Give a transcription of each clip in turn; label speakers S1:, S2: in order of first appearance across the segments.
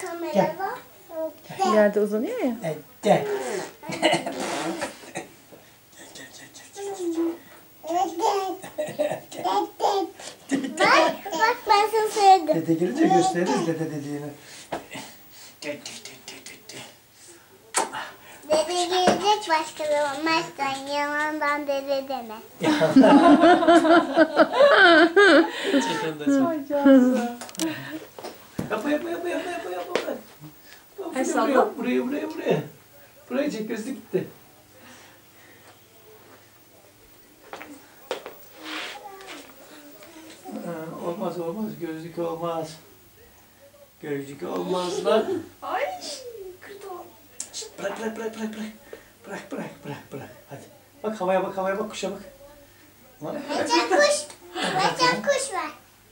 S1: Kamerada.
S2: İleride uzanıyor ya.
S3: Gel.
S1: Bak ben sana söyledim.
S3: Dede gelince gösteririz dede dediğini.
S1: Dede gelecek başka zaman. Mert'ten yanından dede deme.
S2: Ay canım.
S3: Yap.
S2: Ay, salla.
S3: Buraya. Buraya çek, gözlük gitti. Olmaz, gözlük olmaz. Gözlük olmaz lan.
S2: Ay kırdı o.
S3: Şişt, bırak. Hadi. Bak havaya bak, kuşa bak.
S1: Mertcan kuş. Mertcan kuş var.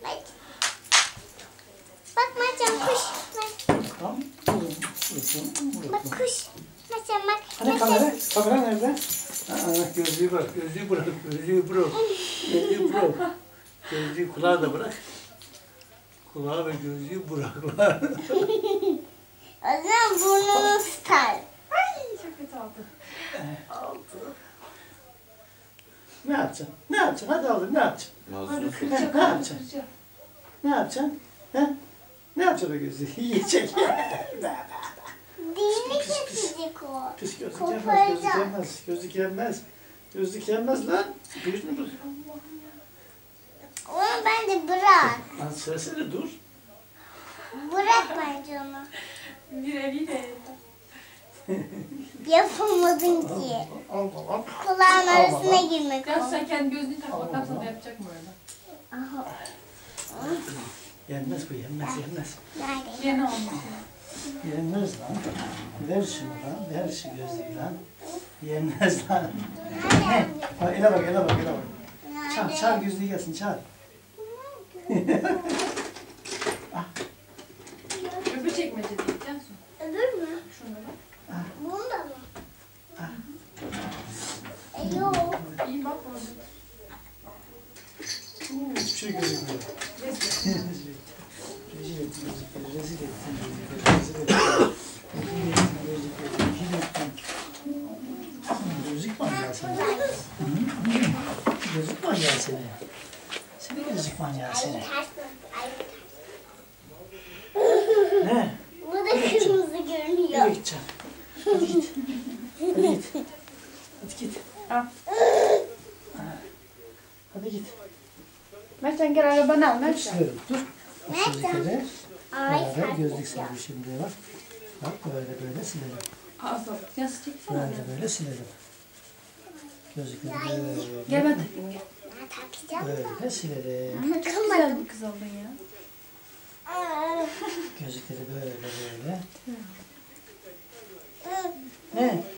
S1: Bak Mertcan kuş.
S3: Tamam.
S1: Bak kuş. Mertcan bak.
S3: Hani kamera nerede? Gözlüğü bırak. Gözlüğü kulağı da bırak. Kulağı ve gözlüğü bırak.
S1: O zaman burnunu tutar.
S2: Ay çok kötü oldu.
S3: Ne yapacaksın? Hadi oğlum, ne yapacaksın?
S2: Hadi
S3: Ne
S2: kıracak.
S3: yapacaksın?
S2: Kıracak.
S3: Ne yapacaksın? Ne yapacaksın o gözlüğü? Yiyecek.
S1: Dini kesecek o.
S3: Pis gözlük
S1: Koparacağım.
S3: Gözlük yenmez lan. Gözünü bırak.
S1: Onu bence bırak.
S3: Lan söylesene dur.
S1: Bırak bence onu.
S2: Bir eliyle.
S1: Yapamadın ki.
S3: Al.
S1: Kulağın arasına girmek
S2: Ya
S1: o.
S2: sen kendi gözlüğünü tak bakalım sana yapacak mı öyle?
S1: Aha.
S3: Yenmez bu, yenmez.
S1: Nerede?
S2: Yeni olmuş.
S3: Yenmez lan. Ver şunu lan. Ver şu gözlüğü lan. Yenmez lan.
S1: Nerede?
S3: Bak ele bak.
S1: Nerede?
S3: Çağır gözlüğü gelsin, çağır.
S2: Öbür çekmece değil Cansu.
S1: Öbür mü?
S2: Şunu bak.
S1: Bunda mı? Yok.
S2: İyi bak orada.
S3: Hiçbir şey gözükmüyor. Rezil ettin. Gözlük manyağı seni. Gözlük manyağı seni. Seni gözlük manyağı seni. Ne?
S1: Bu da kırmızı
S3: Nereye
S1: görünüyor.
S3: gideceksin? Hadi git.
S2: Al.
S3: Hadi git.
S2: Mertcan gel arabanı al Mertcan.
S3: Silerim. Dur. Gözlükleri.
S1: Ay
S3: Beraber
S1: sen
S3: gözlük silelim şimdi bak. Bak böyle silelim.
S2: Ağzına bak. Cansu çeksene.
S3: Böyle silelim. Gözlükleri
S2: Gel
S3: böyle.
S2: ben takayım gel.
S1: Ben takacağım da.
S3: Böyle silelim.
S2: Ama çok güzel bir kız oldun ya.
S3: Gözlükleri böyle. Ne?